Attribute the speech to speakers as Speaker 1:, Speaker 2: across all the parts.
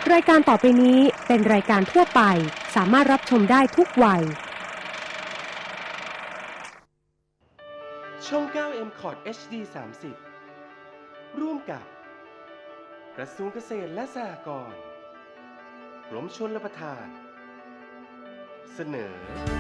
Speaker 1: รายการต่อไปนี้เป็นรายการทั่วไปสามารถรับชมได้ทุกวัย
Speaker 2: ช่อง 9M Cod HD 30 ร่วมกับกระทรวงเกษตรและสหกรณ์กรมชลประทานเสนอ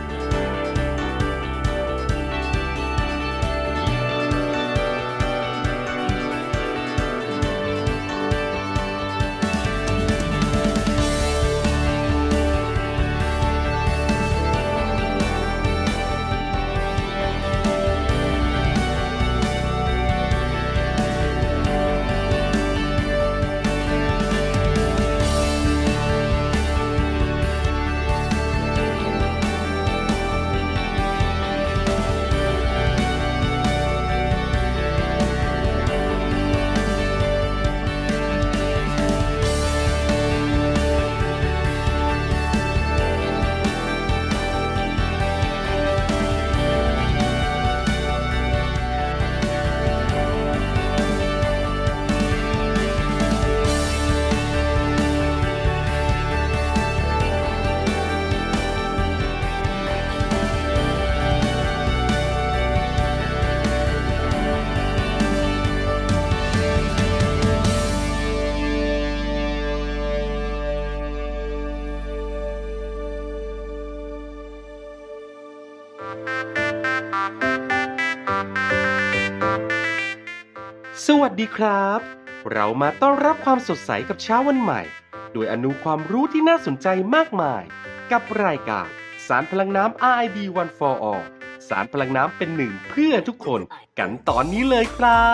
Speaker 2: สวัสดีครับ เรามาต้อนรับความสดใสกับเช้าวันใหม่โดยอนุความรู้ที่น่าสนใจมากมายกับรายการสารพลังน้ำ RID One for All สารพลังน้ำเป็นหนึ่งเพื่อทุกคนกันตอนนี้เลยครับ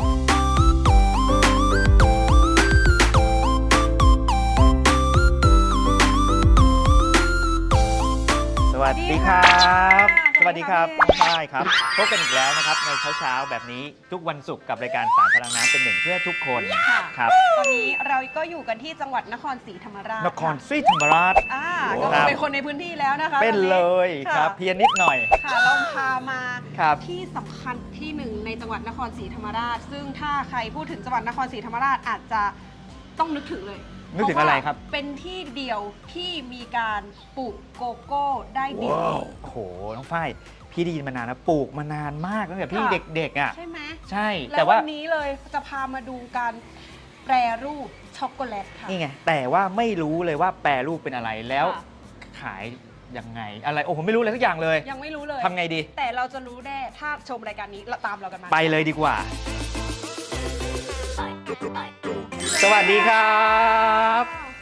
Speaker 3: สวัสดีครับสวัสดีครับน้องฝ้ายครับพบกันอีกแล้วนะครับในเช้าแบบนี้ทุกวันศุกร์กับรายการสารพลังน้ำเป็นหนึ่งเพื่อทุกคนครับ
Speaker 4: ตอนนี้เราก็อยู่กันที่จังหวัดนครศรีธรรมราช
Speaker 3: นครศรีธรรมราช
Speaker 4: ก็เป็นคนในพื้นที่แล้วนะคะ
Speaker 3: เป็นเลยครับเพียงนิดหน่อย
Speaker 4: ค่ะเราพามาที่สำคัญที่หนึ่งในจังหวัดนครศรีธรรมราชซึ่งถ้าใครพูดถึงจังหวัดนครศรีธรรมราชอาจจะต้องนึกถึงเลย
Speaker 3: นึกถึงอะไรครับ
Speaker 4: เป็นที่เดียวที่มีการปลูกโกโก้ได้ดี
Speaker 3: โอ้โหน้องฝ้ายพี่ได้ยินมานานนะปลูกมานานมากตั้งแต่พี่เด็กๆอ่ะ
Speaker 4: ใช่ไหม
Speaker 3: ใช่
Speaker 4: แต่ว่าวันนี้เลยจะพามาดูการแปรรูปช็อกโกแลตค่ะ
Speaker 3: นี่ไงแต่ว่าไม่รู้เลยว่าแปรรูปเป็นอะไรแล้วขายยังไงอะไรโอ้ผมไม่รู้เลยทุกอย่างเลย
Speaker 4: ยังไม่รู้เลย
Speaker 3: ทำไงดี
Speaker 4: แต่เราจะรู้แน่ถ้าชมรายการนี้เราตามเรากันมา
Speaker 3: ไปเลยดีกว่าสวัสดีครับ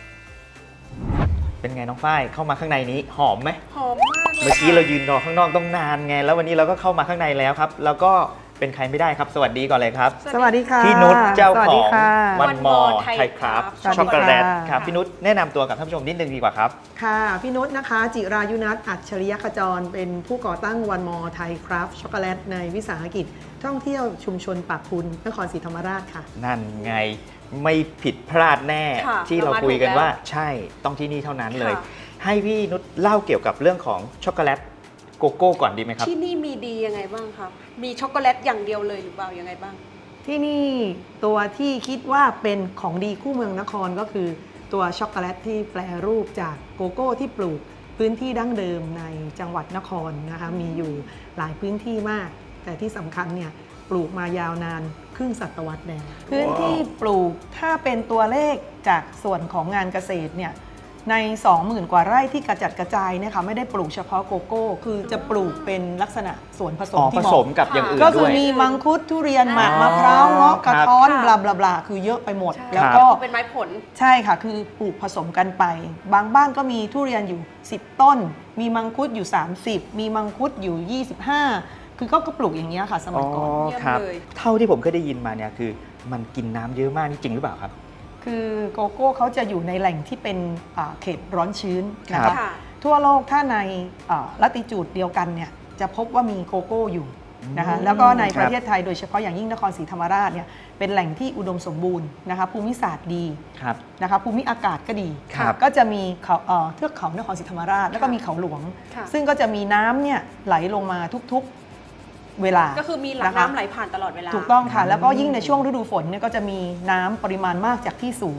Speaker 3: เป็นไงน้องฝ้ายเข้ามาข้างในนี้หอมไหม
Speaker 4: หอมมาก
Speaker 3: เมื่อกี้เรายืนรอข้างนอกต้องนานไงแล้ววันนี้เราก็เข้ามาข้างในแล้วครับแล้วก็เป็นใครไม่ได้ครับสวัสดีก่อนเลยครับ
Speaker 5: สวัสดีค่ะ
Speaker 3: พี่นุชเจ้าของวันมอไทยครับช็อกโกแลตครับพี่นุชแนะนำตัวกับท่านผู้ชมนิดนึงดีกว่าครับ
Speaker 5: ค่ะพี่นุชนะคะจิรายุนัทอัจฉริยขจรเป็นผู้ก่อตั้งวันมอไทยครับช็อกโกแลตในวิสาหกิจท่องเที่ยวชุมชนปากพุนนครศรีธรรมราชค่ะ
Speaker 3: นั่นไงไม่ผิดพลาดแน่ที่เราคุยกันว่าใช่ต้องที่นี่เท่านั้นเลยให้พี่นุชเล่าเกี่ยวกับเรื่องของช็อกโกแลตโกโก้ก่อนดีไหมครับ
Speaker 4: ที่นี่มีดียังไงบ้างครับมีช็อกโกแลตอย่างเดียวเลยหรือเปล่ายังไงบ้าง
Speaker 5: ที่นี่ตัวที่คิดว่าเป็นของดีคู่เมืองนครก็คือตัวช็อกโกแลตที่แปรรูปจากโกโก้ที่ปลูกพื้นที่ดั้งเดิมในจังหวัดนครนะคะมีอยู่หลายพื้นที่มากแต่ที่สำคัญเนี่ยปลูกมายาวนานครึ่งศตวรรษแล้วพื้นที่ปลูกถ้าเป็นตัวเลขจากส่วนของงานเกษตรเนี่ยใน 20,000 กว่าไร่ที่กระจัดกระจายเนี่ยค่ะไม่ได้ปลูกเฉพาะโกโก้คือจะปลูกเป็นลักษณะสวนผสมที่
Speaker 3: ผสมกับอย่างอื่นด้วย
Speaker 5: ก็คือมีมังคุดทุเรียนหมากมะพร้าวเงาะกระท้อนบลาบลาคือเยอะไปหมดแล้วก็
Speaker 4: เป็นไม้ผล
Speaker 5: ใช่ค่ะคือปลูกผสมกันไปบางบ้านก็มีทุเรียนอยู่10ต้นมีมังคุดอยู่30มีมังคุดอยู่25คือก็ปลูกอย่างนี้ค่ะสมัยก่อน
Speaker 3: ครับเท่าที่ผมเคยได้ยินมาเนี่ยคือมันกินน้ำเยอะมากนี่จริงหรือเปล่าครับ
Speaker 5: คือโกโก้เขาจะอยู่ในแหล่งที่เป็นเขตร้อนชื้นนะคะทั่วโลกถ้าในลัติจูดเดียวกันเนี่ยจะพบว่ามีโกโก้อยู่นะคะแล้วก็ในประเทศไทยโดยเฉพาะอย่างยิ่งนครศรีธรรมราชเนี่ยเป็นแหล่งที่อุดมสมบูรณ์นะคะภูมิศาสตร์ดีนะคะภูมิอากาศก็ดีก็จะมีเทือกเขานครศรีธรรมราชแล้วก็มีเขาหลวงซึ่งก็จะมีน้ำเนี่ยไหลลงมาทุกเวลา
Speaker 4: ก็คือมีหลังน้ำไหลผ่านตลอดเวลา
Speaker 5: ถูกต้องค่ะแล้วก็ยิ่งในช่วงฤดูฝนเนี่ยก็จะมีน้ำปริมาณมากจากที่สูง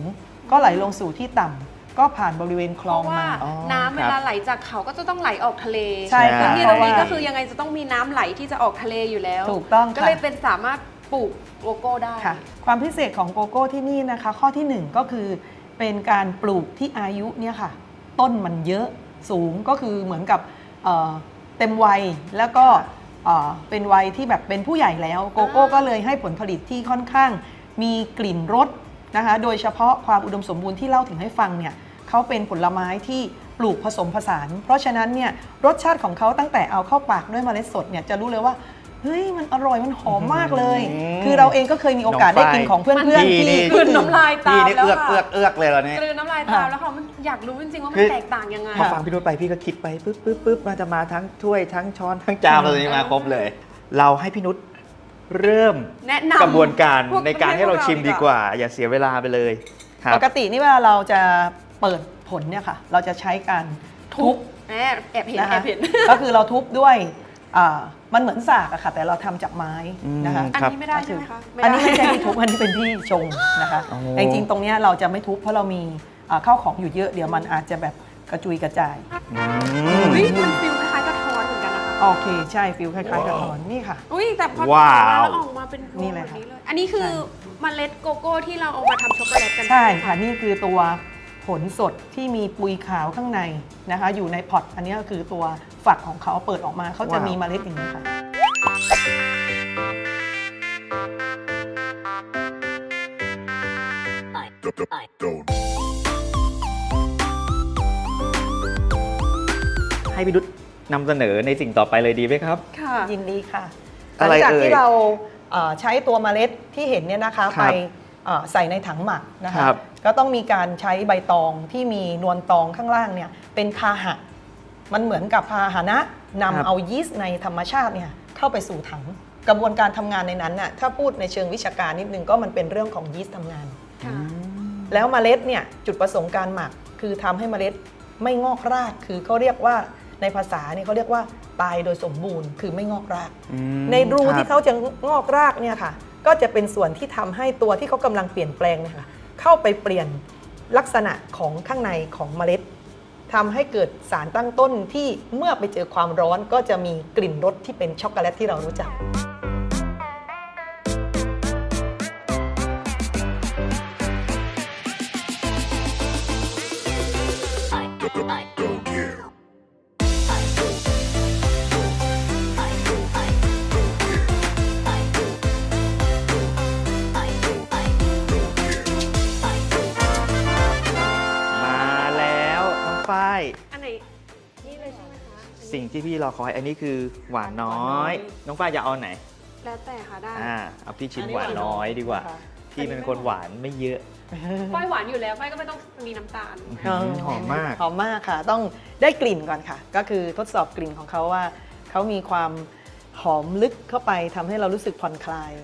Speaker 5: ก็ไหลลงสู่ที่ต่ำก็ผ่านบริเวณคล
Speaker 4: เพ
Speaker 5: อง
Speaker 4: ราะว่า
Speaker 5: มา
Speaker 3: อ๋อ
Speaker 4: น้ำเวลาไหลจากเขาก็จะต้องไหลออกทะเล
Speaker 5: ใช่ค่ะ
Speaker 4: ที่
Speaker 5: เพ
Speaker 4: ตร
Speaker 5: ราะ
Speaker 4: ง
Speaker 5: ว่า
Speaker 4: นี้ก็คือยังไงจะต้องมีน้ำไหลที่จะออกทะเลอยู่แล้ว
Speaker 5: ถูกต้อง
Speaker 4: ก็
Speaker 5: ค่ะ
Speaker 4: เลยเป็นสามารถปลูกโกโก้ได้
Speaker 5: ค่ะความพิเศษของโกโก้ที่นี่นะคะข้อที่ 1 ก็คือเป็นการปลูกที่อายุเนี่ยค่ะต้นมันเยอะสูงก็คือเหมือนกับเต็มวัยแล้วก็เป็นวัยที่แบบเป็นผู้ใหญ่แล้วโกโก้ก็เลยให้ผลผลิตที่ค่อนข้างมีกลิ่นรสนะคะโดยเฉพาะความอุดมสมบูรณ์ที่เล่าถึงให้ฟังเนี่ยเขาเป็นผลไม้ที่ปลูกผสมผสาน เพราะฉะนั้นเนี่ยรสชาติของเขาตั้งแต่เอาเข้าปากด้วยเมล็ดสดเนี่ยจะรู้เลยว่าเฮ้ยมันอร่อยมันหอมมากเลย คือเราเองก็เคยมีโอกาสได้กินของเพื่อนๆที่
Speaker 4: กลืนน้ำลายตา
Speaker 3: พี่
Speaker 4: ม
Speaker 3: นี่
Speaker 4: แล้ว
Speaker 3: เอื้อก
Speaker 4: ค่ะ
Speaker 3: เอื้อกเลยเหรอเนี่ย
Speaker 4: กลืนน้ำลายตามแล้วค่ะมันอยากรู้จริงๆว่ามั
Speaker 3: คื
Speaker 4: น
Speaker 3: อ
Speaker 4: แตกต่างยังไง
Speaker 3: พอฟังพี่นุชไปพี่ก็คิดไปปึ๊บมันจะมาทั้งถ้วยทั้งช้อนทั้งจานอะไรมาครบเลย เราให้พี่นุชเริ่ม
Speaker 4: แนะนำ
Speaker 3: กระบวนการ
Speaker 4: พว
Speaker 3: ในการให้เราชิมดีกว่า อย่าเสียเวลาไปเลยครับ
Speaker 5: ปกตินี่เวลาเราจะเปิดผลเนี่ยค่ะเราจะใช้การทุบ
Speaker 4: แอบเห็น
Speaker 5: นะ
Speaker 4: แอ
Speaker 5: คะ
Speaker 4: บเห็น
Speaker 5: ก็คือเราทุบด้วยมันเหมือนสากอะค่ะแต่เราทำจากไม้นะคะ
Speaker 4: อัน
Speaker 3: ครับ
Speaker 4: นี้ไม่ได้ใช่ไหมคะ
Speaker 5: อันนี้ไม่ใช่ที่ทุบอันนี้เป็นที่ชงนะคะ
Speaker 3: อ๋อ
Speaker 5: แต่จริงๆตรงเนี้ยเราจะไม่ทุบเพราะเรามีข้าวของอยู่เยอะเดี๋ยวมันอาจจะแบบกระจุยกระจาย
Speaker 4: อุ้ยมันฟิลคล้ายๆกระท้อนเหมือนกันนะคะ
Speaker 5: โอเคใช่ฟิลคล้ายๆกระท้อนนี่ค่ะ
Speaker 4: อุ้ยแต่พอ
Speaker 3: ว้าว
Speaker 4: แล้วออกมาเป็นพวง
Speaker 5: นี่เล
Speaker 4: แบ
Speaker 5: ย
Speaker 4: บ
Speaker 5: ค่ะ
Speaker 4: นี้เลย อันนี้คือเมล็ดโกโก้ที่เราเอามาทำช็อกโกแลตกัน
Speaker 5: ใช่
Speaker 4: ไหม
Speaker 5: ค่ะนี่คือตัวผลสดที่มีปุยขาวข้างในนะคะอยู่ในพอตอันนี้ก็คือตัวฝักของเขาเปิดออกมาเขาจะมีเมล็ดอย่างนี้ค่ะ
Speaker 3: ให้พี่นุชนำเสนอในสิ่งต่อไปเลยดีไหมครับ
Speaker 4: ค่ะ
Speaker 5: ยินดีค่ะห
Speaker 3: อะ
Speaker 5: ลั
Speaker 3: ไรง
Speaker 5: จาก
Speaker 3: เอ่ย
Speaker 5: ที่เราใช้ตัวเมล็ดที่เห็นเนี่ยนะคะ
Speaker 3: ครั
Speaker 5: ไป
Speaker 3: บ
Speaker 5: ใส่ในถังหมักนะคะ
Speaker 3: ครับ
Speaker 5: ก็ต้องมีการใช้ใบตองที่มีนวลตองข้างล่างเนี่ยเป็นพาหะมันเหมือนกับพาหนะนำเอายีสต์ในธรรมชาติเนี่ยเข้าไปสู่ถังกระบวนการทำงานในนั้นน่ะถ้าพูดในเชิงวิชาการนิดนึงก็มันเป็นเรื่องของยีสต์ทำงาน
Speaker 4: ค่ะ
Speaker 5: แล้วเมล็ดเนี่ยจุดประสงค์การหมักคือทำให้เมล็ดไม่งอกรากคือเขาเรียกว่าในภาษาเนี่ยเขาเรียกว่าตายโดยสมบูรณ์คือไม่งอกราก ในรู
Speaker 3: ครับ
Speaker 5: ที่เขาจะงอกรากเนี่ยค่ะก็จะเป็นส่วนที่ทำให้ตัวที่เขากำลังเปลี่ยนแปลงเนี่ยค่ะเข้าไปเปลี่ยนลักษณะของข้างในของเมล็ดทำให้เกิดสารตั้งต้นที่เมื่อไปเจอความร้อนก็จะมีกลิ่นรสที่เป็นช็อกโกแลตที่เรารู้จัก
Speaker 3: มาแล้วน้องฝ้าย
Speaker 4: อันไหนนี่เลยใช่ไหมคะ
Speaker 3: สิ่งที่พี่รอคอยอันนี้คือหวานน้อย น้องฝ้ายจะเอาไหน
Speaker 4: แล้วแต่ค่ะได้
Speaker 3: เอาพี่ชิมหวานน้อยดีกว่า พี่เป็นคนหวานไม่เยอะ
Speaker 4: ฝ้ายหวานอยู่แล้วฝ้ายก็ไม่ต้องมีน้ำตาล
Speaker 3: หอมมาก
Speaker 5: หอมมากค่ะ ต้องได้กลิ่นก่อนค่ะ ก็คือทดสอบกลิ่นของเขาว่าเขามีความหอมลึกเข้าไปทำให้เรารู้สึกผ่อนคลาย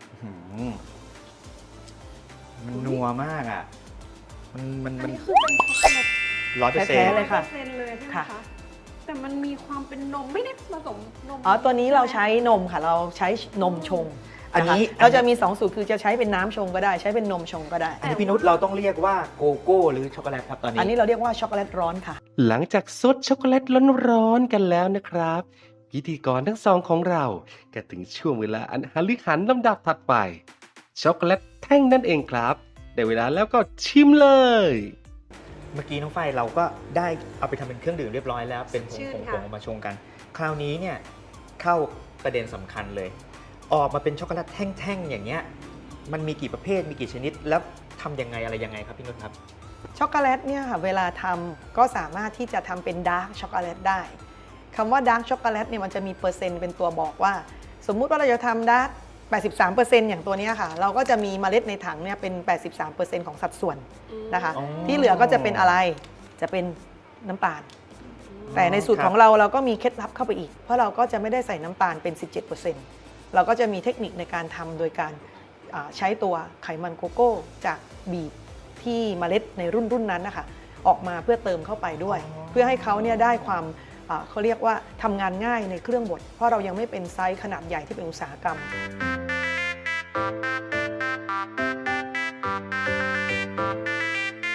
Speaker 3: มันนัวมากอ่ะ มัน
Speaker 4: อัน
Speaker 3: มัน
Speaker 4: นี้คือเป็นช็อกโกแลต
Speaker 3: 100%
Speaker 5: แท้ๆเลยค่ะ
Speaker 4: 100%เลยใช่ไหม
Speaker 5: ค่ะ
Speaker 4: คะแต่มันมีความเป็นนมไม่ได้ผสมนม
Speaker 5: ตัวนี้เราใช้นมค่ะ เราใช้นมชง
Speaker 3: อันนี้
Speaker 5: ะคะเราจะมี 2 สูตรคือจะใช้เป็นน้ำชงก็ได้ ใช้เป็นนมชงก็ได้
Speaker 3: อันนี้พี่นุชเราต้องเรียกว่าโกโก้หรือช็อกโกแลตครับตอนนี้
Speaker 5: อันนี้เราเรียกว่าช็อกโกแลตร้อนค่ะ
Speaker 2: หลังจากซดช็อกโกแลตร้อนๆกันแล้วนะครับ พิธีกรทั้งสองของเราก็ถึงช่วงเวลาอันหฤหันลำดับถัดไป ช็อกโกแลตแท่งนั่นเองครับได้เวลาแล้วก็ชิมเลย
Speaker 3: เมื่อกี้น้องฝ้ายเราก็ได้เอาไปทำเป็นเครื่องดื่มเรียบร้อยแล้ว เป็นผ
Speaker 4: ชื่
Speaker 3: ง
Speaker 4: น
Speaker 3: ผ
Speaker 4: ค่ะ
Speaker 3: งมาชงกัน คราวนี้เนี่ยเข้าประเด็นสำคัญเลย ออกมาเป็นช็อกโกแลตแท่งๆอย่างเงี้ย มันมีกี่ประเภท มีกี่ชนิด แล้วทำยังไงอะไรยังไงครับพี่นุชครับ
Speaker 5: ช็อกโกแลตเนี่ยค่ะเวลาทำก็สามารถที่จะทำเป็นดาร์กช็อกโกแลตได้คำว่าดาร์กช็อกโกแลตเนี่ยมันจะมีเปอร์เซ็นต์เป็นตัวบอกว่า สมมุติว่าเราจะทำดาร์ก 83% อย่างตัวเนี้ยค่ะ เราก็จะมีเมล็ดในถังเนี่ยเป็น 83% ของสัดส่วนนะคะ
Speaker 3: อ๋อ
Speaker 5: ที่เหลือก็จะเป็นอะไรจะเป็นน้ำตาล แต่ในสูตรของเราก็มีเคล็ดลับเข้าไปอีก เพราะเราก็จะไม่ได้ใส่น้ำตาลเป็น 17%เราก็จะมีเทคนิคในการทำโดยการใช้ตัวไขมันโกโก้จากบีบที่เมล็ดในรุ่นนั้นนะคะออกมาเพื่อเติมเข้าไปด้วย เพื่อให้เขาเนี่ยได้ความเขาเรียกว่าทำงานง่ายในเครื่องบดเพราะเรายังไม่เป็นไซส์ขนาดใหญ่ที่เป็นอุตสาหกรรม
Speaker 3: อ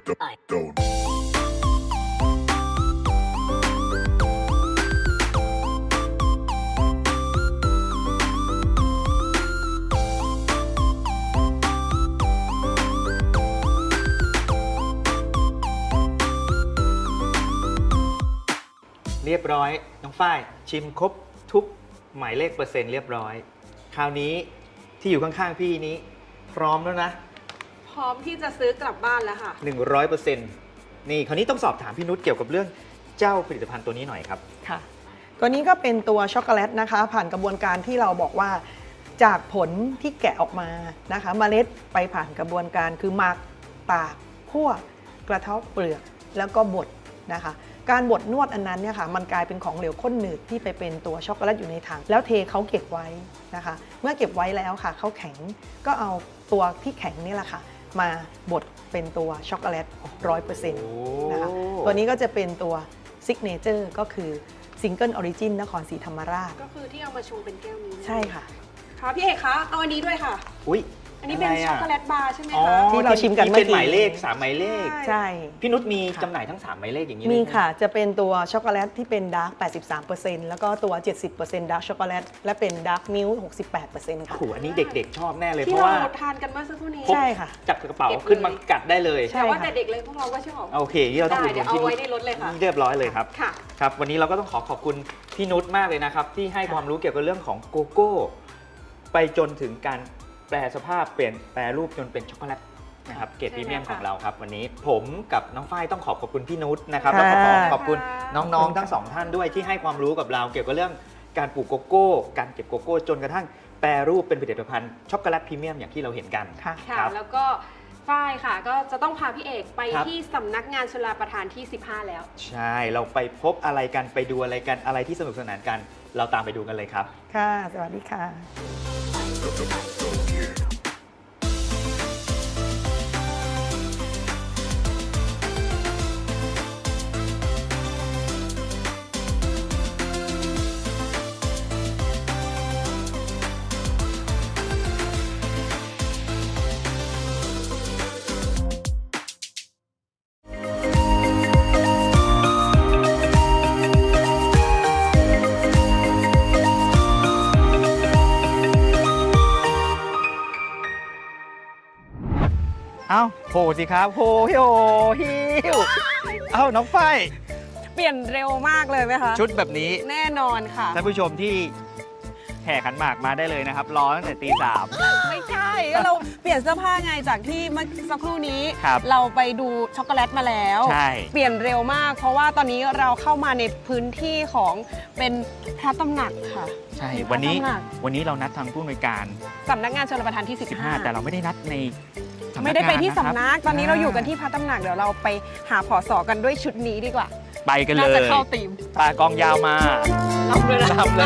Speaker 3: เรียบร้อยน้องฝ้ายชิมครบทุกหมายเลขเปอร์เซ็นต์เรียบร้อย คราวนี้ที่อยู่ข้างๆพี่นี้พร้อมแล้วนะ
Speaker 4: พร้อมที่จะซื้อกลับบ้านแล้วค่ะ
Speaker 3: 100%นี่คราวนี้ต้องสอบถามพี่นุชเกี่ยวกับเรื่องเจ้าผลิตภัณฑ์ตัวนี้หน่อยครับ
Speaker 5: ค่ะ ตัวนี้ก็เป็นตัวช็อกโกแลตนะคะ ผ่านกระบวนการที่เราบอกว่าจากผลที่แกะออกมานะคะเมล็ดไปผ่านกระบวนการคือหมักตากคั่วกระเทาะเปลือกแล้วก็บดนะคะ การบดนวดอันนั้นเนี่ยค่ะมันกลายเป็นของเหลวข้นหนืดที่ไปเป็นตัวช็อกโกแลตอยู่ในถังแล้วเทเขาเก็บไว้นะคะ เมื่อเก็บไว้แล้วค่ะเขาแข็งก็เอาตัวที่แข็งนี่แหละค่ะมาบดเป็นตัวช็อกโกแลต 100% นะคะตัวนี้ก็จะเป็นตัวซิกเนเจอร์ก็คือซิงเกิลออริจินนครศรีธรรมราช
Speaker 4: ก็คือที่เอามาชงเป็นแก้วนี้
Speaker 5: ใช่ค่ะ
Speaker 4: ค่ะพี่เอกคะเอาอันนี้ด้วยค่ะ
Speaker 3: อุ้ย
Speaker 4: อันนี้เป็นช็อกโกแลตบาร์ใช่ไหม
Speaker 3: อ๋อ
Speaker 4: คะ
Speaker 5: ที่เราชิมกันเมื่อกี้
Speaker 3: เป็นหมายเลข3หมายเลข
Speaker 5: ใช่
Speaker 3: พี่นุชมี
Speaker 5: ค่ะ
Speaker 3: จำหน่ายทั้ง3หมายเลขอย่างนี้
Speaker 5: มี
Speaker 3: เลยไห
Speaker 5: ค่ะจะเป็นตัวช็อกโกแลตที่เป็นดาร์ก 83% แล้วก็ตัว 70%ดาร์กช็อกโกแลตและเป็นดาร์กมิลค์ 68% ค่ะ
Speaker 3: โอ้โหอันนี้เด็กๆชอบแน่เลยเพ
Speaker 4: ที่
Speaker 3: ราะ
Speaker 4: เรา
Speaker 3: ว่า
Speaker 4: ทานกันเมื่อสักครู่นี้
Speaker 5: ใช่ค่ะ
Speaker 3: จับกระเป๋า
Speaker 4: เก็บเลย
Speaker 3: ขึ้นมากัดได้เลย
Speaker 5: ใช่
Speaker 4: แต่ว่า
Speaker 5: ค่ะ
Speaker 4: แต่เด็กเลยพวกเราก็ชอบ
Speaker 3: โอเคนี่เราต้อง
Speaker 4: ได้
Speaker 3: อุดห
Speaker 4: เดี๋
Speaker 3: นุ
Speaker 4: ยวน เอา
Speaker 3: พี่นุ
Speaker 4: ไว้
Speaker 3: ช
Speaker 4: ในรถเลยค่ะ
Speaker 3: เรียบร้อยเลยครับ
Speaker 4: ค่ะ
Speaker 3: ครับวันนี้เราก็ต้องขอบคุณพี่นุชมากเลยนะครับที่ให้ความรู้เกี่ยวกับเรื่องของโกโก้ไปจนถึงการแปลสภาพเปลี่ยนแปรรูปจนเป็นช็อกโกแลตนะครับเกรดพรีเมียมของเราครับวันนี้ผมกับน้องฝ้ายต้องขอบคุณพี่นุชนะครับแล้วก็ขอบคุณน้องๆทั้งสองท่านด้วยที่ให้ความรู้กับเราเกี่ยวกับเรื่องการปลูกโกโก้การเก็บโกโก้จนกระทั่งแปรรูปเป็นผลิตภัณฑ์ช็อกโกแลตพรีเมียมอย่างที่เราเห็นกัน
Speaker 5: ค่ะ
Speaker 4: ค่ะ
Speaker 3: ครับ
Speaker 4: แล้วก็ฝ้ายค่ะ ก็จะต้องพาพี่เอกไป
Speaker 3: ครับ
Speaker 4: ที่สำนักงานชลประทานที่ 15 แล้ว
Speaker 3: ใช่เราไปพบอะไรกันไปดูอะไรกันอะไรที่สนุกสนานกัน เราตามไปดูกันเลยครับ
Speaker 5: ค่ะ สวัสดีค่ะ
Speaker 3: เอ้าโผล่สิครับโผล่ฮิวฮิวเอ้าน้องฝ้าย
Speaker 4: เปลี่ยนเร็วมากเลยไหมคะ
Speaker 3: ชุดแบบนี้
Speaker 4: แน่นอนค่ะ
Speaker 3: ท่านผู้ชมที่แห่ขันหมากมาได้เลยนะครับรอตั้งแต่ตี 3
Speaker 4: ไม่ใช่ก็เราเปลี่ยนเสื้อผ้าไงจากที่เมื่อสักครู่นี้
Speaker 3: ครับ
Speaker 4: เราไปดูช็อกโกแลตมาแล้ว
Speaker 3: ใช่
Speaker 4: เปลี่ยนเร็วมาก เพราะว่าตอนนี้เราเข้ามาในพื้นที่ของเป็นพระตำหนักค่ะ
Speaker 3: ใช่
Speaker 4: มีพระ
Speaker 3: วันนี้
Speaker 4: ตำหนัก
Speaker 3: เรานัดทางผู้อำนวยการ
Speaker 4: สำนักงานชลประทานที่
Speaker 3: 15 แต่เราไม่ได้นัดในสำนักงาน
Speaker 4: ไม่ได้ไปที่
Speaker 3: ะครับ
Speaker 4: สำนัก ตอนนี้เราอยู่กันที่พระตำหนักเดี๋ยวเราไปหาผอสอกันด้วยชุดนี้ดีกว่า
Speaker 3: ไปกันเล
Speaker 4: น่าจะ
Speaker 3: ย
Speaker 4: เข้าธีม
Speaker 3: ตากองยาวมา
Speaker 4: รับเลยนะ
Speaker 3: รับเลย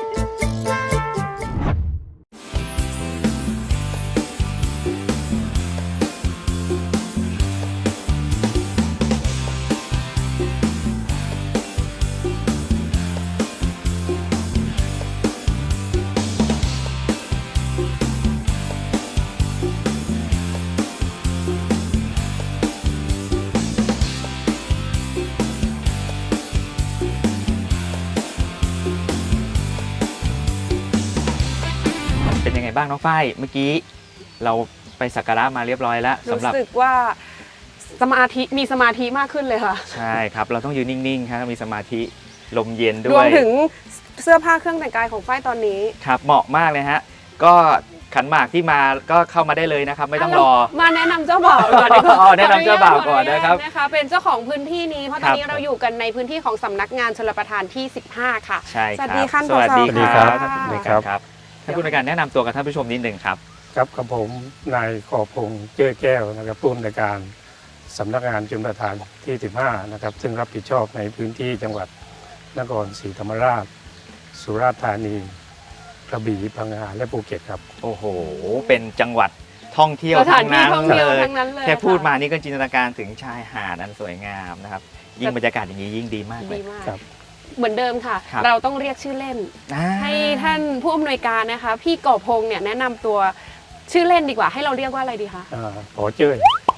Speaker 3: เป็นยังไงบ้างน้องฝ้ายเมื่อกี้เราไปสักการะมาเรียบร้อยแล้ว
Speaker 4: รู้
Speaker 3: สำหรับ
Speaker 4: สึกว่ามีสมาธิมากขึ้นเลยค่ะ
Speaker 3: ใช่ครับ เราต้องยืนนิ่งๆครับมีสมาธิลมเย็นด้
Speaker 4: ร
Speaker 3: ว
Speaker 4: วม
Speaker 3: ย
Speaker 4: ถึงเสื้อผ้าเครื่องแต่งกายของฝ้ายตอนนี้
Speaker 3: ครับเหมาะมากเลยฮะก็ขันหมากที่มาก็เข้ามาได้เลยนะครับ ไม่ต้องรอ
Speaker 4: มาแนะนำเจ้าบ่าวก่อนดีกว่า
Speaker 3: อ๋อแนะนำเจ้าบ่าวก่อนนะครับ
Speaker 4: นะคะเป็นเจ้าของพื้นที่นี้เพราะตอนนี้
Speaker 3: ครับ
Speaker 4: เราอยู่กันในพื้นที่ของสำนักงานชลประทานที่ 15 ค่ะ
Speaker 3: ใช่ครับ
Speaker 4: สวัสดีค่ะ
Speaker 3: สวัสดี
Speaker 4: ผอ
Speaker 3: ครับ
Speaker 4: ค่ะ
Speaker 3: ท่านผู้อำนวยการครับท่านผู้อำนวยการแนะนำตัวกับท่านผู้ชมนิดหนึ่งครับ
Speaker 6: ครับกับผมนายขอบพงษ์เจ้อแก้วนะครับผู้อำนวยการสำนักงานชลประทานที่ 15 นะครับซึ่งรับผิดชอบในพื้นที่จังหวัดนครศรีธรรมราช สุราษฎร์ธานีกระบี่พังงาและภูเก็ตครับ
Speaker 3: โอ้โห เป็นจังหวัดท่องเที่ยว
Speaker 4: สถาน
Speaker 3: ทั้ง
Speaker 4: ที่
Speaker 3: นั้น
Speaker 4: ท่องเที่ยว
Speaker 3: เลย
Speaker 4: ทั้งนั้นเลย
Speaker 3: แค่พูด
Speaker 4: ค่ะ
Speaker 3: มานี่ก็จินตนาการถึงชายหาดอันสวยงามนะครับยิ่งบรรยากาศอย่างนี้ยิ่งดีมากเล
Speaker 4: ดี
Speaker 3: ย
Speaker 4: มาก
Speaker 6: ครับ
Speaker 4: เหมือนเดิมค่ะ
Speaker 3: ครับ
Speaker 4: เราต้องเรียกชื่อเล่น ให้ท่านผู้อำนวยการนะคะ พี่ก่อพงษ์เนี่ยแนะนำตัวชื่อเล่นดีกว่าให้เราเรียกว่าอะไรดีคะ
Speaker 6: ขอเจ้ย
Speaker 3: พอ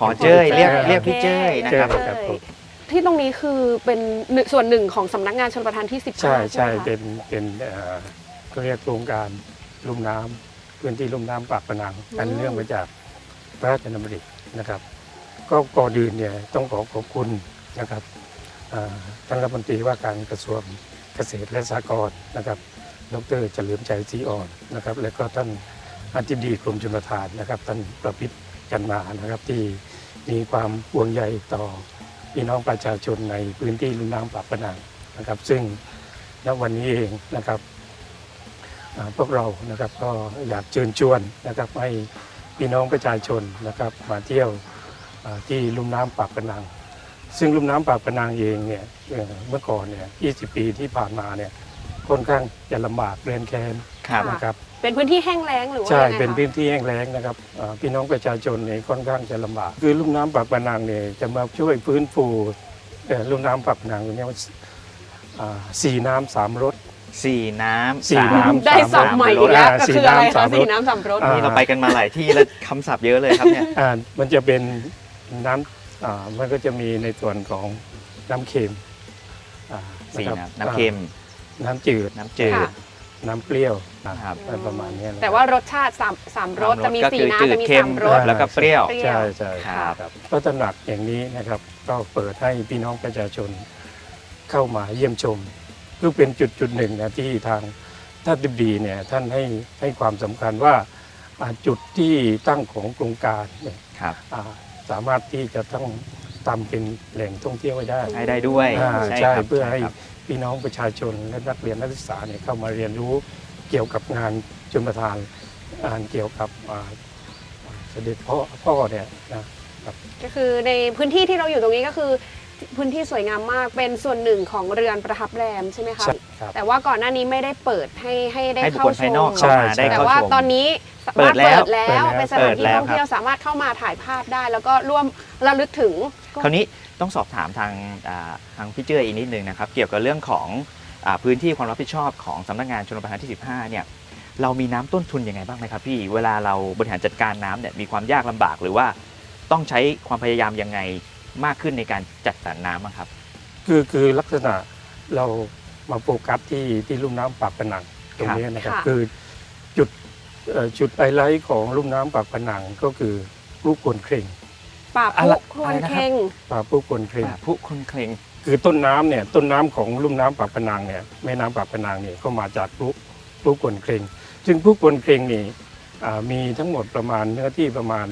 Speaker 3: อเจ้ยเรียก
Speaker 6: โอเค
Speaker 3: เรียกพี่เจ้ยนะครับ
Speaker 6: เจ้ย ครับผม
Speaker 4: ที่ตรงนี้คือเป็นส่วนหนึ่งของสำนักงานชลประทานที่ 15
Speaker 6: ใช่
Speaker 4: ใช่
Speaker 6: ใช่
Speaker 4: ไหมคะ
Speaker 6: เป็นเขาเรียกโครงการลุ่มน้ำพื้นที่ลุ่มน้ำปากพนังอันเนื่องมาจากพระราชดำรินะครับ ก็ก่อนอื่นเนี่ยต้องขอบคุณนะครับท่านรัฐมนตรีว่าการกระทรวงเกษตรและสหกรณ์นะครับดร.เฉลิมชัยศรีอ่อนนะครับและก็ท่านอธิบดีกรมชลประทานนะครับท่านประพิษจันมานะครับที่มีความห่วงใยต่อพี่น้องประชาชนในพื้นที่ลุ่มน้ำปากพนังนะครับซึ่งณวันนี้เองนะครับพวกเรานะครับก็อยากเชิญชวนนะครับให้พี่น้องประชาชนนะครับมาเที่ยวที่ลุ่มน้ำปากพนังซึ่งลุ่มน้ำปากพนังเองเนี่ยเมื่อก่อนเนี่ย20 ปีที่ผ่านมาเนี่ยค่อนข้างจะลำบากเรียนแค้น
Speaker 3: ครับ
Speaker 6: นะครับ
Speaker 4: เป็นพื้นที่แห้งแล้งหรือว่า
Speaker 6: ใช่
Speaker 4: ยังไงคะ
Speaker 6: เป็นพื้นที่แห้งแล้งนะครับพี่น้องประชาชนเนี่ยค่อนข้างจะลำบากคือลุ่มน้ำปากพนังเนี่ยจะมาช่วยฟื้นฟูลุ่มน้ำปากพนังตรงนี้สี่น้ำสามรส
Speaker 3: 4 น้ำ
Speaker 6: สี่น้ำ
Speaker 4: ได้สับใหม่อีกแล้วก็คืออะไรคะ
Speaker 6: สี่
Speaker 4: สี
Speaker 6: น้ำ
Speaker 4: น้ำ
Speaker 6: สาม
Speaker 4: สำ
Speaker 6: ร
Speaker 4: ร
Speaker 6: ส
Speaker 4: ส
Speaker 3: นี่เราไปกันมาหลายที่แล้วคำศัพท์เยอะเลยครับเนี่ย
Speaker 6: มันจะเป็นน้ำมันก็จะมีในส่วนของน้ำเค็ม
Speaker 3: สี่
Speaker 6: นะครับ
Speaker 3: น้ำเค็ม
Speaker 6: น้ำจืด
Speaker 3: น้ำจืด
Speaker 4: ค่ะ
Speaker 6: น้ำเปรี้ยวนะครับประมาณนี้นะ
Speaker 4: แต่ว่ารสชาติสามรสจะมี
Speaker 3: ก็
Speaker 4: สี
Speaker 3: คือ
Speaker 4: น้ำ
Speaker 3: จืด
Speaker 4: จะมี
Speaker 3: เค็ม
Speaker 4: 3 รส
Speaker 3: แล้วก็เปรี้ยว
Speaker 6: ใช่ใช่
Speaker 3: ครับ
Speaker 6: ก็ตระหนักอย่างนี้นะครับ ก็เปิดให้พี่น้องประชาชนเข้ามาเยี่ยมชมก็เป็นจุดหนึ่งนะที่ทางท่านอธิบดีเนี่ยท่านให้ความสำคัญว่าจุดที่ตั้งของโครงการเนี่ย
Speaker 3: ครับ
Speaker 6: สามารถที่จะต้องทำเป็นแหล่งท่องเที่ยวไว้ได้
Speaker 3: ให้ได้ด้วย
Speaker 6: ใช่
Speaker 3: ครับ
Speaker 6: เพื่อให้
Speaker 3: ช่ครับ
Speaker 6: พี่น้องประชาชนและนักเรียนนักศึกษาเนี่ยเข้ามาเรียนรู้เกี่ยวกับงานชลประทานเกี่ยวกับเสด็จพ่อเนี่ยนะ
Speaker 4: ก็คือในพื้นที่ที่เราอยู่ตรงนี้ก็คือพื้นที่สวยงามมากเป็นส่วนหนึ่งของเรือนประทับแรมใช่ไหมคะ
Speaker 6: ใช่ครับ
Speaker 4: แต่ว่าก่อนหน้านี้ไม่ได้เปิดให้ได้
Speaker 3: ให้บุค
Speaker 4: เข้า
Speaker 3: คล
Speaker 4: ช
Speaker 3: ภายนอก
Speaker 4: ม
Speaker 3: เข้ามา
Speaker 6: ใช่
Speaker 3: ได้
Speaker 4: แต่
Speaker 3: เข้า
Speaker 4: ว่า
Speaker 3: ชม
Speaker 4: ตอนนี้สามารถ
Speaker 3: เปิดแล้ว
Speaker 4: เป็นสถานที่ท่องเที่ยวสามารถเข้ามาถ่ายภาพได้ แล้วก็ร่วมระลึกถึง
Speaker 3: คราวนี้ต้องสอบถามทางพี่เจ้ยอีกนิดนึงนะครับ เกี่ยวกับเรื่องของพื้นที่ความรับผิดชอบของสำนักงานชลประทานที่ 15 เนี่ยเรามีน้ำต้นทุนยังไงบ้างไหมครับพี่เวลาเราบริหารจัดการน้ำเนี่ยมีความยากลำบากหรือว่าต้องใช้ความพยายามยังไงมากขึ้นในการจัดสรรน้ำบ้างครับ
Speaker 6: คือลักษณะเรามาโฟกัสที่ลุ่มน้ำปากพนังตรงนี้นะครับ
Speaker 4: ค่ะ
Speaker 6: คือจุดไฮไลท์ของลุ่มน้ำปากพนังก็คือลูกกวนเคร่ง
Speaker 4: ป่า
Speaker 3: อะ
Speaker 4: พุ
Speaker 3: ไร
Speaker 4: ครว
Speaker 3: อะไร
Speaker 4: น
Speaker 3: นะครับ
Speaker 4: เค็ง
Speaker 6: ป่าผู้กวนเคร่ง
Speaker 3: ผู้คนเคลง
Speaker 6: คือต้นน้ำของลุ่มน้ำปากพนังเนี่ยแม่น้ำปากพนังเนี่ยก็มาจากพลุกวนเคร่งซึ่งพลุกวนเคร่งนี่มีทั้งหมดประมาณเนื้อที่ประมาณ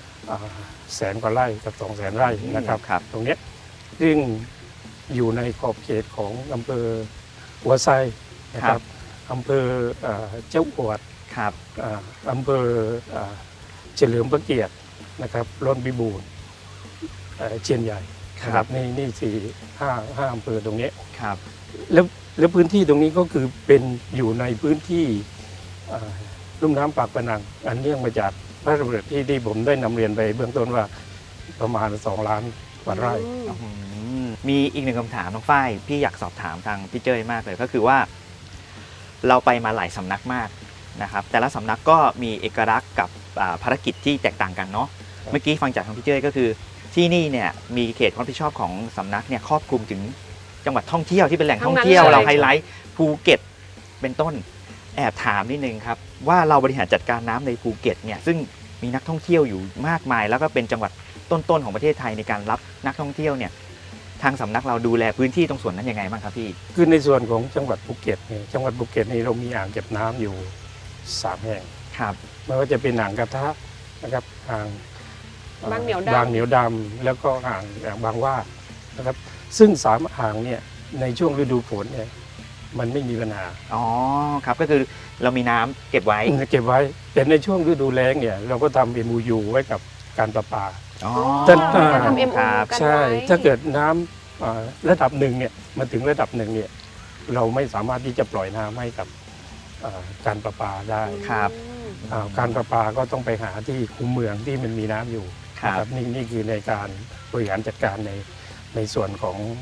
Speaker 6: 100,000 กว่าไร่กับ 200,000 ไร่นะครับ
Speaker 3: ครับ
Speaker 6: ตรงเนี้ยซึ่งอยู่ในขอบเขตของอำเภอหัวไซนะครับอำเภอเจ้าอวด
Speaker 3: ครับ
Speaker 6: อำเภอเฉลิมพระเกียรตินะครับร่อนพิบูลเชียนใหญ่นะครับนี่4-5อำเภอตรงนี้
Speaker 3: ครับ
Speaker 6: แล้วพื้นที่ตรงนี้ก็คือเป็นอยู่ในพื้นที่ลุ่มน้ำปากพนังอันเนื่องมาจากพระราชดำริที่ผมได้นำเรียนไปเบื้องต้นว่าประมาณ2 ล้านกว่าไร่
Speaker 3: มีอีกหนึ่งคำถามน้องฝ้ายพี่อยากสอบถามทางพี่เจ้ยมากเลยก็คือว่า เราไปมาหลายสำนักมากนะครับแต่ละสำนักก็มีเอกลักษณ์กับภารกิจที่แตกต่างกันเนาะเมื่อกี้ฟังจากทางพี่เจ้ยก็คือที่นี่เนี่ยมีเขตความรับผิดชอบของสำนักเนี่ยครอบคลุมถึงจังหวัดท่องเที่ยวที่เป็นแหล่งท่องเที่ยว
Speaker 4: ทั้งนั้นเลย
Speaker 3: เราไฮไลท์ภูเก็ตเป็นต้นแอบถามนิดนึงครับว่าเราบริหารจัดการน้ำในภูเก็ตเนี่ยซึ่งมีนักท่องเที่ยวอยู่มากมาย แล้วก็เป็นจังหวัดต้นๆของประเทศไทยในการรับนักท่องเที่ยวเนี่ยทางสำนักเราดูแลพื้นที่ตรงส่วนนั้นยังไงบ้างครับพี่
Speaker 6: คือในส่วนของจังหวัดภูเก็ตเนี่ยจังหวัดภูเก็ตนี่เรามีอ่างเก็บน้ำอยู่3 แห่ง
Speaker 3: ครับ
Speaker 6: ไม่ว่าจะเป็นอ่างกระทะนะครับอ่าง
Speaker 4: บางเหนียวดำ
Speaker 6: บางเหนียวดำแล้วก็อ่างบางว่านะครับซึ่ง3 อ่างเนี่ยในช่วงฤดูฝนเนี่ยมันไม่มีปัญหา
Speaker 3: อ๋อครับก็คือเรามีน้ำเก็บไว้
Speaker 6: เก็บไว้แต่ในช่วงฤดูแล้งเนี่ยเราก็ทำ MOU ไว้กับการประปา
Speaker 3: อ๋อ
Speaker 6: ท่าน
Speaker 4: จะทำ MOU
Speaker 3: ครับ
Speaker 4: กัน
Speaker 6: ใช่
Speaker 4: ไว้
Speaker 6: ถ้าเกิดน้ำระดับหนึ่งเนี่ยมาถึงระดับหนึ่งเนี่ยเราไม่สามารถที่จะปล่อยน้ำให้กับการประปาได้
Speaker 3: ครับ
Speaker 6: การประปาก็ต้องไปหาที่คูเมืองที่มันมีน้ำอยู่
Speaker 3: ครับ
Speaker 6: นะนี่คือในการบริหารจัดการในส่วนของ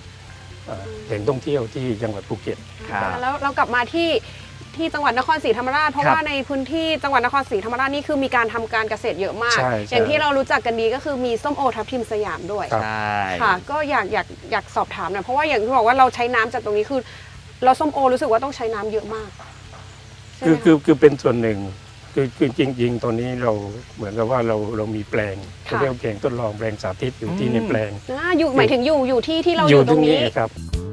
Speaker 6: แหล่งท่องเที่ยวที่จังหวัดภูเก็ต
Speaker 3: ครับ
Speaker 4: แล้วเรากลับมาที่จังหวัดนครศรีธรรมราชเพราะ
Speaker 3: ครับ
Speaker 4: ว่าในพื้นที่จังหวัดนครศรีธรรมราชนี่คือมีการทำการเกษตรเยอะมาก
Speaker 6: ใช่
Speaker 4: อย่างที่เรารู้จักกันดีก็คือมีส้มโอทับทิมสยามด้วย
Speaker 6: ครับ
Speaker 3: ใช่
Speaker 4: ค่ะก็อยากสอบถามหน่อยเพราะว่าอย่างที่บอกว่าเราใช้น้ำจากตรงนี้คือเราส้มโอรู้สึกว่าต้องใช้น้ำเยอะมากใช่ไหมะ
Speaker 6: คือเป็นส่วนหนึ่งคือจริงๆตอนนี้เราเหมือนกับว่าเรามีแปลงเขาเรียกว่าแปลงทดลองแปลงสาธิตอยู่ที่ในแปลง
Speaker 4: อยู่หมายถึงอยู่ที่เราอยู่ตรงนี้
Speaker 6: ครับ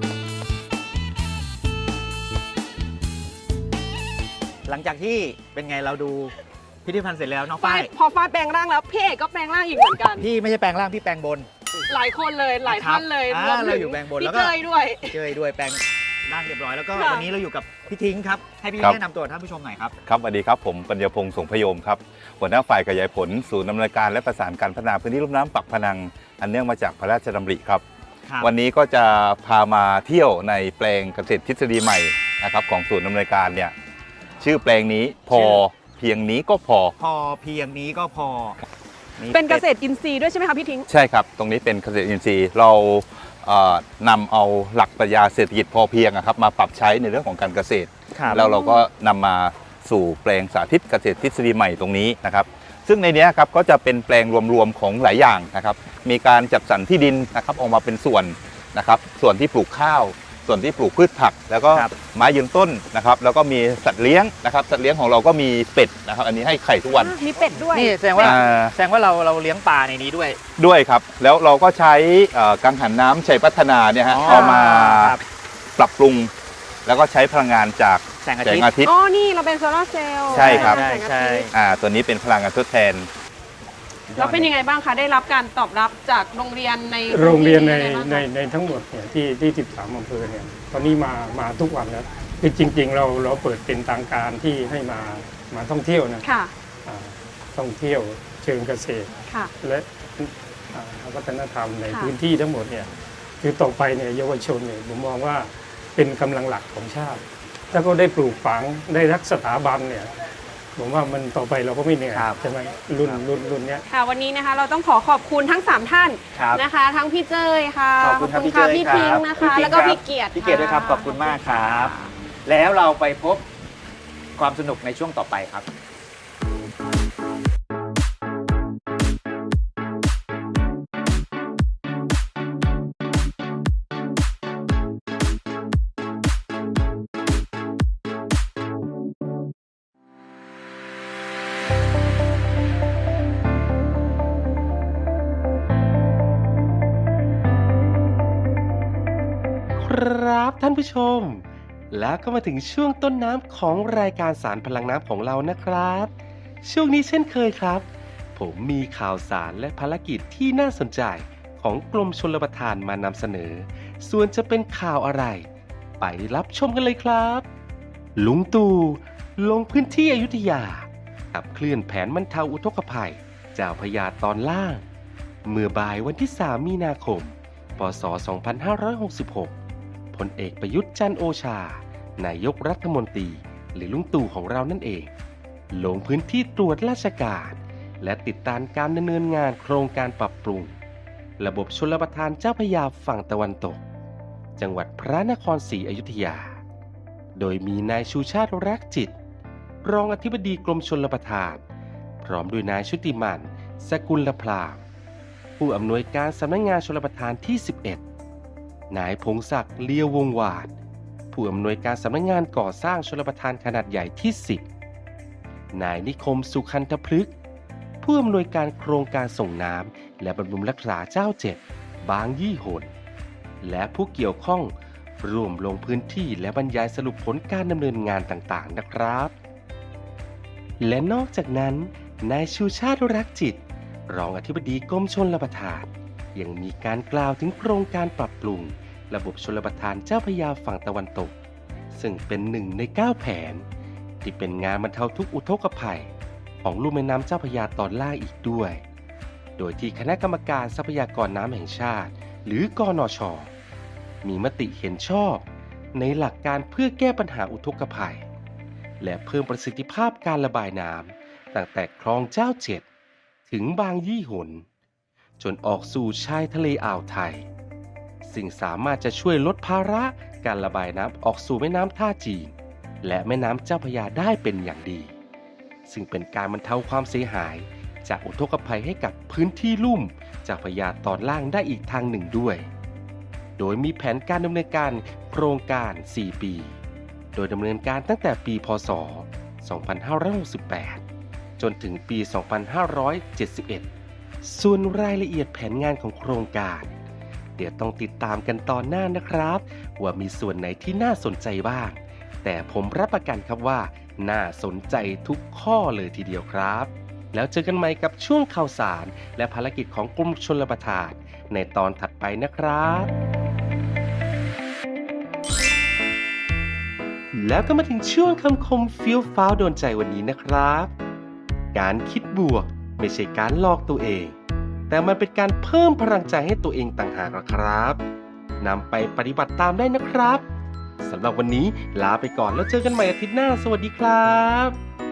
Speaker 3: หลังจากที่เป็นไงเราดูพิพิธภัณฑ์เสร็จแล้วน้องฝ้าย
Speaker 4: พอฝ้ายแปลงร่างแล้วพี่เอกก็แปลงร่างอีกเหมือนกัน
Speaker 3: พี่ไม่ใช่แปลงร่างพี่แปลงบน
Speaker 4: หลายคนเลยหลายท่านเลย
Speaker 3: ครับ
Speaker 4: รวมถึ
Speaker 3: เราอยู่แปลงบนแล้วก็
Speaker 4: พี่เจยด้วย
Speaker 3: เจยด้วยแปลงร่างเรียบร้อยแล้วก็
Speaker 4: ค่ะ
Speaker 3: วันนี้เราอยู่กับพี่ทิ้งครับให้พี่
Speaker 7: ครับ
Speaker 3: แนะนำตัวท่านผู้ชมหน่อยครับ
Speaker 7: ครับสวัสดีครับผมปัญญาพงษ์สงพยมครับหัวหน้าฝ่ายขยายผลศูนย์ดำเนินการและประสานการพัฒนาพื้นที่ลุ่มน้ำปักพนัง อันเนื่องมาจากพระราชดำริครับ วันนี้ก็จะพามาเที่ยวในแปลงเกษตรทฤษฎีใหม่นะครับของศูนย์ดำเนินการเนี่ยชื่อแปลงนี้พอเพียงนี้ก็พอ
Speaker 3: พอเพียงนี้ก็พอ
Speaker 4: เป็นเกษตรอินทรีย์ด้วยใช่ไหมคะพี่ทิ้ง
Speaker 7: ใช่ครับ ตรงนี้เป็นเกษตรอินทรีย์เรานำเอาหลักปรัชญาเศรษฐกิจพอเพียงครับมาปรับใช้ในเรื่องของการเกษตร
Speaker 3: ครับ
Speaker 7: แล้วเราก็นำมาสู่แปลงสาธิตเกษตรทฤษฎีใหม่ตรงนี้นะครับซึ่งในนี้ครับก็จะเป็นแปลงรวมๆของหลายอย่างนะครับมีการจัดสรรที่ดินนะครับออกมาเป็นส่วนนะครับส่วนที่ปลูกข้าว ส่วนที่ปลูกพืชผัก แล้วก็
Speaker 3: ครับ
Speaker 7: ไม้ยืนต้นนะครับแล้วก็มีสัตว์เลี้ยงนะครับสัตว์เลี้ยงของเราก็มีเป็ดนะครับอันนี้ให้ไข่ทุกวัน
Speaker 4: มีเป็ดด้วย
Speaker 3: นี่แสดงว่า
Speaker 7: อ่า
Speaker 3: แสดงว่าเราเลี้ยงปลาในนี้ด้วย
Speaker 7: ด้วยครับแล้วเราก็ใช้กังหันน้ำชัยพัฒนาเนี่ยฮะ
Speaker 3: อ๋อ
Speaker 7: เอามา
Speaker 3: ครับ
Speaker 7: ปรับปรุง แล้วก็ใช้พลังงานจาก
Speaker 3: แสงอา
Speaker 7: แส
Speaker 3: ทิ
Speaker 7: ง
Speaker 3: ตย์
Speaker 7: อาทิตย์
Speaker 4: อ๋อ นี่เราเป็นโซลาร์เซลล์
Speaker 7: ใช่ครับ
Speaker 4: แสงอาทิตย์
Speaker 3: ใช่
Speaker 7: ตัวนี้เป็นพลังงานทดแทน
Speaker 4: แล้วเป็นยังไงบ้างคะ ได้รับการตอบรับจากโรงเรียนใน
Speaker 6: โรงเรียนใน
Speaker 4: พื้ที่ยังไงบ้างคะ
Speaker 6: ในทั้งหมดเนี่ยที่13อำเภอเนี่ยตอนนี้มาทุกวันแล้วคือจริงๆเราเปิดเป็นทางการที่ให้มาท่องเที่ยวนะ
Speaker 4: ค่ะ
Speaker 6: อ่าท่องเที่ยวเชิงเกษตร
Speaker 4: ค่ะ
Speaker 6: และวัฒนธรรมใน
Speaker 4: ค่ะ
Speaker 6: พื้นที่ทั้งหมดเนี่ยคือต่อไปเนี่ยเยาวชนเนี่ยผมมองว่าเป็นกำลังหลักของชาติ ถ้าก็ได้ปลูกฝังได้รักสถาบันเนี่ยผมว่ามันต่อไปเราก็ไม่เหนื่อย
Speaker 3: ครับ
Speaker 6: ใช่ไหมรุ่นเนี้ย
Speaker 4: ค่ะ วันนี้นะคะเราต้องขอบคุณทั้ง 3 ท่าน
Speaker 3: ครับ
Speaker 4: นะคะ ทั้งพี่เจยค่ะ
Speaker 3: ขอบคุณครับพี่เจย
Speaker 4: พี่
Speaker 3: ครับ
Speaker 4: ทิ้งนะคะ
Speaker 3: พี่ทิ้ง
Speaker 4: แล้วก็
Speaker 3: ครับ
Speaker 4: พี่เกียรติ
Speaker 3: พี่เกียรติด้วยครับขอบคุณมากครับ แล้วเราไปพบความสนุกในช่วงต่อไปครับ
Speaker 2: ครับท่านผู้ชม แล้วก็มาถึงช่วงต้นน้ำของรายการสารพลังน้ำของเรานะครับ ช่วงนี้เช่นเคยครับ ผมมีข่าวสารและภารกิจที่น่าสนใจของกรมชลประทานมานำเสนอ ส่วนจะเป็นข่าวอะไร ไปรับชมกันเลยครับ ลุงตู่ลงพื้นที่อยุธยาขับเคลื่อนแผนบรรเทาอุทกภัยเจ้าพระยาตอนล่าง เมื่อบ่ายวันที่ 3 มีนาคม พ.ศ. 2566 พลเอกประยุทธ์จันทร์โอชา นายกรัฐมนตรีหรือลุงตู่ของเรานั่นเอง ลงพื้นที่ตรวจราชการ และติดตามการดำเนินงานโครงการปรับปรุง ระบบชลประทานเจ้าพระยาฝั่งตะวันตก จังหวัดพระนครศรีอยุธยา โดยมีนายชูชาติรักจิต รองอธิบดีกรมชลประทาน พร้อมด้วยนายชุติมันสกุลพรามผู้อำนวยการสำนักงานชลประทานที่ 11 นายพงศักดิ์เลียววงวานผู้อำนวยการสำนักงานก่อสร้างชลประทานขนาดใหญ่ที่ 10 นายนิคมสุขันธพฤกษ์ผู้อำนวยการโครงการส่งน้ำและบำรุงรักษาเจ้า7บางยี่หนและผู้เกี่ยวข้องร่วมลงพื้นที่และบรรยายสรุปผลการดำเนินงานต่างๆนะครับ และนอกจากนั้นนายชูชาติรักจิต รองอธิบดีกรมชลประทานยังมีการกล่าวถึงโครงการปรับปรุงระบบชลประทานเจ้าพระยาฝั่งตะวันตก ซึ่งเป็น1 ใน 9 แผน ที่เป็นงานบรรเทาทุกข์อุทกภัยของลุ่มแม่น้ำเจ้าพระยาตอนล่างอีกด้วย โดยที่คณะกรรมการทรัพยากรน้ำแห่งชาติหรือกนช.มีมติเห็นชอบในหลักการเพื่อแก้ปัญหาอุทกภัย และเพิ่มประสิทธิภาพการระบายน้ำตั้งแต่คลองเจ้าถึงบางยี่หนจนออกสู่ชายทะเลอ่าวไทยซึ่งสามารถจะช่วยลดภาระการระบายน้ำออกสู่แม่น้ำท่าจีนและแม่น้ำเจ้าพระยาได้เป็นอย่างดีซึ่งเป็นการบรรเทาความเสียหายจากอุทกภัยให้กับพื้นที่ลุ่มเจ้าพระยาตอนล่างได้อีกทางหนึ่งด้วยโดยมีแผนการดำเนินการโครงการ 4 ปี โดยดำเนินการตั้งแต่ปีพ.ศ. 2568 จนถึงปี 2571 ส่วนรายละเอียดแผนงานของโครงการเดี๋ยวต้องติดตามกันตอนหน้านะครับว่ามีส่วนไหนที่น่าสนใจบ้างแต่ผมรับประกันครับว่าน่าสนใจทุกข้อเลยทีเดียวครับแล้วเจอกันใหม่กับช่วงข่าวสารและภารกิจของกรมชลประทานในตอนถัดไปนะครับ แล้วก็มาถึงช่วงคำคมเฟี้ยวฟ้าวโดนใจวันนี้นะครับ การคิดบวกไม่ใช่การหลอกตัวเอง แต่มันเป็นการเพิ่มพลังใจให้ตัวเองต่างหากนะครับนำไปปฏิบัติตามได้นะครับสำหรับวันนี้ลาไปก่อนแล้วเจอกันใหม่อาทิตย์หน้าสวัสดีครับ